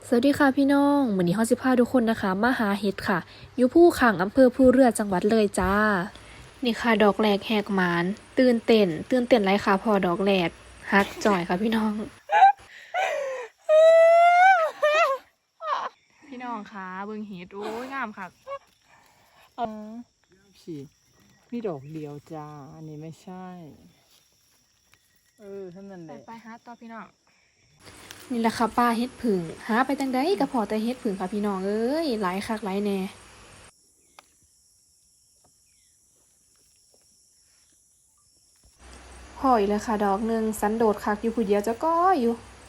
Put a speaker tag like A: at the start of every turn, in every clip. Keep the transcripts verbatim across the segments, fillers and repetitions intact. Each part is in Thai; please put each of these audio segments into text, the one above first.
A: สวัสดีค่ะพี่น้องวันนี้เฮาสิพาทุกคนนะคะมาหาเห็ดค่ะ อยู่ภูขางอำเภอภูเรือจังหวัดเลยจ้า นี่ค่ะดอกแรกแหกหมานตื่นเต้นตื่นเต้นไรค่ะพอดอกแรกฮักจ่อยค่ะพี่น้อง
B: พี่น้องคะเบิ่งเห็ดโอ้ยงามค่ะ
C: พี่มีดอกเดียวจ้า อันนี้ไม่ใช่ เออท่านนั่นแห
B: ไป
C: ละ
B: ไปหาต่อพี่น้อง
A: นี่แหละค่ะป้าเห็ดผึ่งหาไปจังไดก็พอแต่เห็ดผึ่งค่ะพี่น้องเอ้ยหลายคักหลายแน่พออีกแล้วค่ะดอกหนึ่งสันโดษคักอยู่ผู้เดียวจะก้ออยู่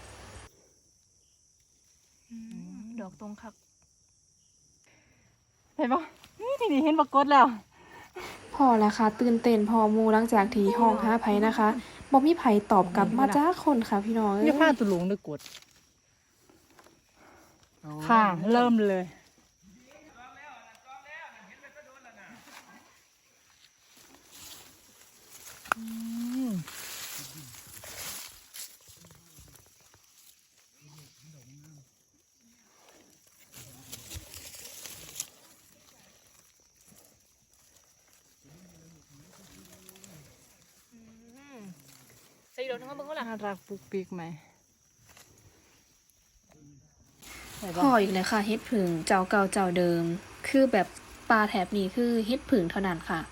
B: ดอกตรงคัก
C: เห็นปะนี่ทีนี้เห็นปรากฏแล้ว
A: พอแล้วค่ะตื่นเต้นพอหมูหลังจากที่ห้องหาไผนะคะบ่มีไผตอบกลับมาจ้าคนค่ะพี่น้องเอ้
C: นี่
A: ย
C: ผ้าตุลุงด้วยกด ค่ะ เริ่มเลยอืม
B: ใส่ดอกทั้งเบิ่งก็ล่ะ
C: น่ารักปุกปิกไหมเห็น
A: พ
C: ปะ
A: ออีกแล้วค่ะเฮ็ดผึ่งเจ้าเก่าเจ้าเดิม คือแบบปลาแถบนี้คือเฮ็ดผึ่งเท่านั้นค่ะ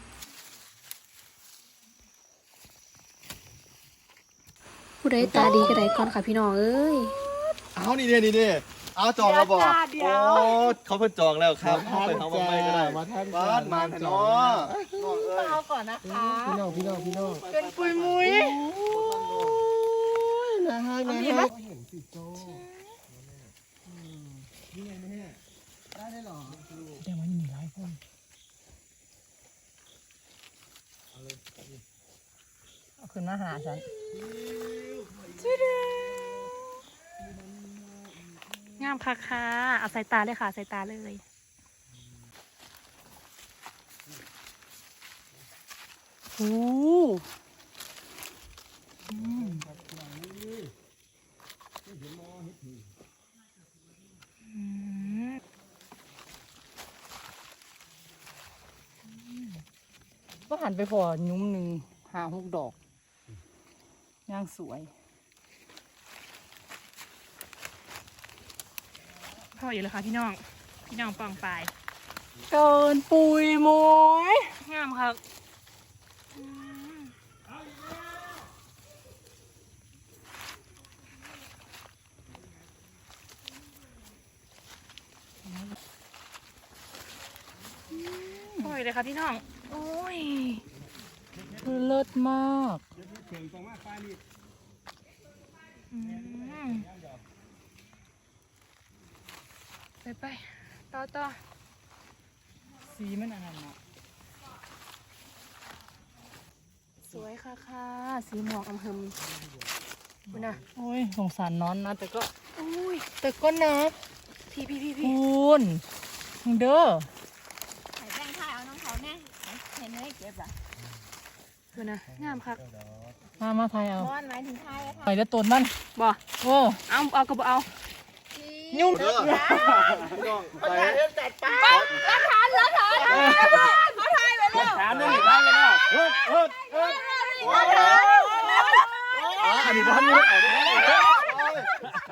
A: ผู้ใดตาดีก็ได้ก่อนค่ะพี่น้องเอ้ย
D: เอานี่เด้นี่เด้เอาจองแล้วบอก
C: เดี๋ยว
D: โอ้เขาเพิ่งจองแล้วครับเข้าไปเขาบอกไม่ก็ได้
E: มาท่าน
D: บ้านมาแทนเนาะน้องเอ้ย
C: เอาก่อนนะคะ
E: พี่น้องพี่น้องพี่น้อง
C: เป็นปุยมุย
E: นะฮะนะ
C: ดีไหม
E: ฮะเห็นสิโจนี่ไงแม่ได้ได้หรอ
C: เดี๋ยวมันมีหลายคนเอาขึ้นมาหาฉัน
B: งามคักค่ะเอาสายตาเลยค่ะสายตาเลย
C: โอ้ก็หันไปพอยุ้มหนึ่งหาหกดอกย่างสวย
B: พ่ออยู่เลยค่ะพี่น้อง พี่น้องปองปลาย
C: เกินปุยมวย
B: งามค่ะพ่ออยู่เลยค่ะพี่น้อง โอ้ย
C: คือเลิศมาก
B: อืมไปไปต่อต่อ
C: สีมันอันนั้นอะ
B: สวยค่ะค่ะสีหมอกอำเภอคุณน่ะ
C: โอ้ยสงสารน้อนนะ แต่ก็
B: อุ้ย
C: แต่ก็นะ
B: พี่พี่พี่พี่
C: คุณเด้อ
F: ใส่แป้งทาเอาน้องเขาแน่เห็นไหมเก็บอ่ะ
B: คุณน่ะงามค่ะ
C: มามาไทยเอา
F: บอนหมายถึงทายอะค่ะ
C: ไปเด้อต้นมัน
B: บ่
C: โอ้
B: เอาเอากระเอา
C: ยุ่ง
D: เด้อพี่น้องไป
F: ทานแล้วทาน
D: ถามนี่ได้แล้วเฮ้ยเฮ้ยเฮ้ยอันนี้บ้านนี้เอาได้ใช่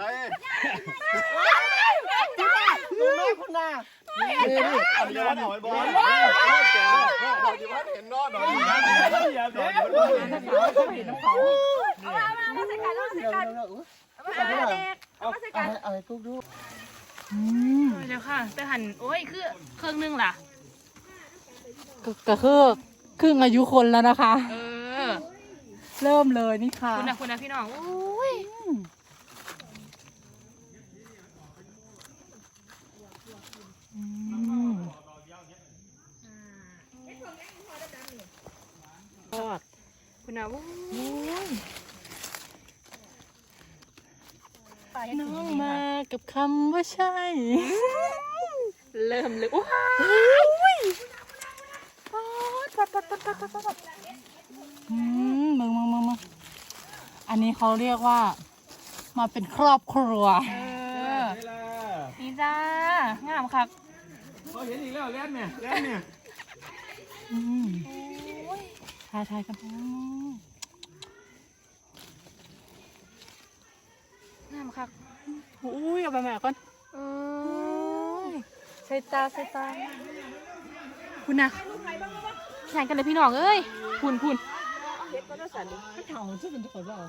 E: ดูแม่คุณน่ะ
D: นี่นี่อันนี้บ้านเอาไว้บอลเราที่บ้านเห็นนอนนอนที่บ้านเห็นนอนที่บ้านเห็นนอน
C: เห็นน้ำเขา
F: มาใส่กันมาใส่
E: เดี๋ยว
F: กัน
E: เดี๋ยว
F: มาใส่กันเด็กมาใส่
E: เอา
F: กัน
E: ให้เอาให้ทุกดู
C: อืม
B: เดี๋ยวค่ะ แต่หันโอ้ยคือเครื่องนึงล่ะ
C: ก็ก็คือครึ่งอายุคนแล้วนะคะ
B: เออ
C: เริ่มเลยนี่ค่ะ
B: คุณนะคุณนะพี่น้องโอ้ย
C: อืมทอด
B: คุณนะโอ้ย
C: น้องมากับคำว่าใช่
B: เริ่มเลยโอ้ย
C: ปัดปัดปัดปัดปัดปัดอืมมึงมึงมึงมึงอันนี้เขาเรียกว่า มาเป็นครอบครัว
B: เออ
C: จ้างามคัก
D: เขาเห็นอีกแล้วแล่นเนี่ยแล่นเนี่ย
C: อืมถ่ายถ่ายกันอืมงามคักอุ้ยเอาไปแม่ก่อนเอ้ยใส่ตาใส่ตาคุณนะแข่งกันเลยพี่น้องเอ้ยคุณคุณเถ่าชื่อเป็นตัวขอบ่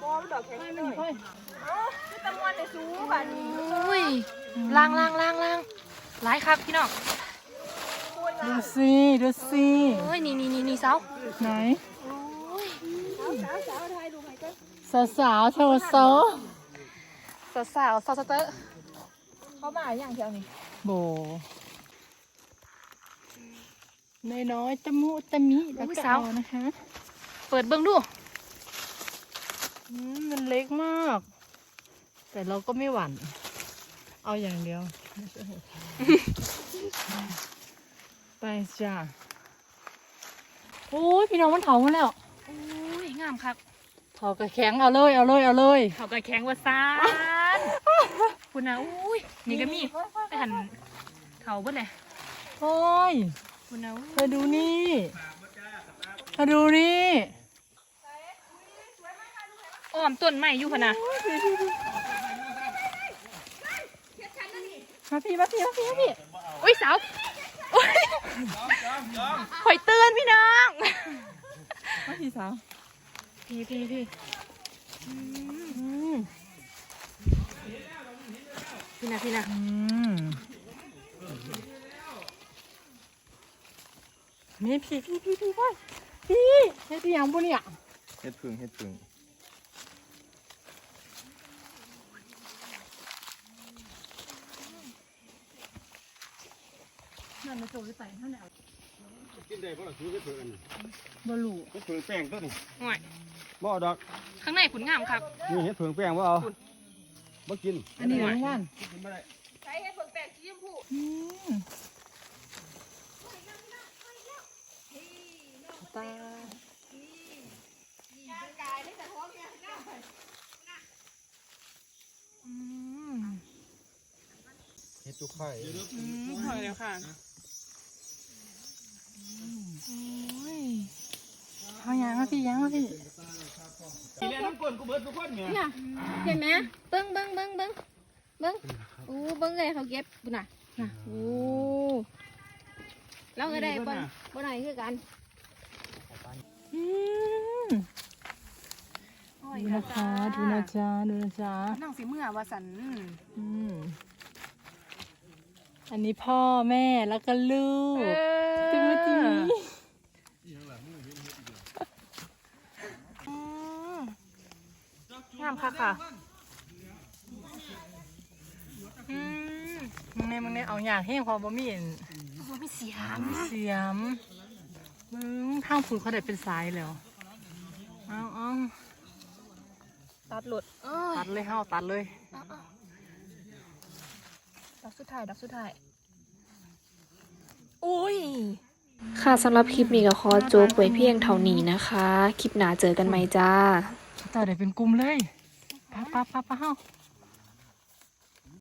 C: อุ้ยล่างล่างล่างล่างหลายครับพี่น้องดูสิดูสิโอ้ยนี่นี่นี่นี่เสาไหนสาวสาวๆโชว์โซ่สาวสาวสาวสเตอร์เข้ามาอย่างเดียวนี่โบน้อยๆตะมุตะมิแล้วก็เอานะคะ เปิดเบิ้งดูอืมมันเล็กมาก แต่เราก็ไม่หวั่น เอาอย่างเดียว ไปจ้าโอ้ยพี่น้องมันเถามาแล้วโอ้ยงามครับเถากระแข็งเอาเลยเอาเลยเอาเลยเถากระแข็งว่าซานคุณนะอุ้ยนี่ก็มีไปหันเถาเบิ้ลเลยโอ้ยคุณนะเธอดูนี่เธอดูนี่อ้อมต้นไม้อยู่พะนะมาพี่มาพี่มาพี่มาพี่อุ้ยสาวข่อยเตือนพี่น้องมาพี่สาวพี่พี่พี่พี่นะพี่นะนี่พี่พี่พี่พี่พี่พี่เฮ็ดยังบุเนี่ย
D: เฮ็ดพึ่งเฮ็ดพึ่ง
C: นั่นมาโจยใส่ท่านเอา
D: กินได้เพราะเราซื้อเฮ็ดพึ่งอันนี้
C: บลู
D: เฮ็ดพึ่งแป้งตัวนี้
C: ห่วย
D: บ่เอาดอก
C: ข้างในขุนงามครับ
D: นี่เฮ็ดพึ่งแป้งบ่เอาบ่กิน
C: อันนี้นะว่าน
D: กินบ่ได้
F: ใช้ให้เบิ่งแปลงสีชมพู
C: อืมตา
F: กายได้แต่ท้องเนี่ยหน้า
C: อืม
D: เฮ็ดจุกไข่
C: อืมพอแล้วค่ะโอ้ยเอายางมาพี่ยางมาพี่
D: กินแล้วน้ำก้นกูเบิดทุกคนเนี่ย
F: เนี่ยเห็นไหมเบิ้งเบิ้งเบิ้งเบิ้งเบิ้งโอ้เบิ้งเลยเขาเก็บบุญน่ะน่ะโอ้เราก็ได้บนบนไหนคือกัน
C: อืมดูนะคะดูนะจ๊ะดูนะจ๊ะ
B: นั่งสีเมื่อวาสัน
C: อืมอันนี้พ่อแม่แล้วก็ลูกจิมจิมงามค่ะค่ะอืมมึงเนี่ยมึงเนี่ยเอาอย่างให้พอบ่มีเห็น
B: ไม่เสีย
C: เสียมมึงทางฝุ่นเขาได้เป็นสายแล้วเอาเอา
B: ตัดหลุดเออ
C: ตัดเลยเฮาตัดเลย
B: ดักสุดท้ายดักสุดท้ายโอ้ย
A: ค่ะสำหรับคลิปนี้ก็ขอจบไว้เพียงเท่านี้นะคะ คลิปหน้าเจอกันไหมจ้า
C: ต่อได้เป็นกลุ่มเลยป้าป้าป้าป้าเฮา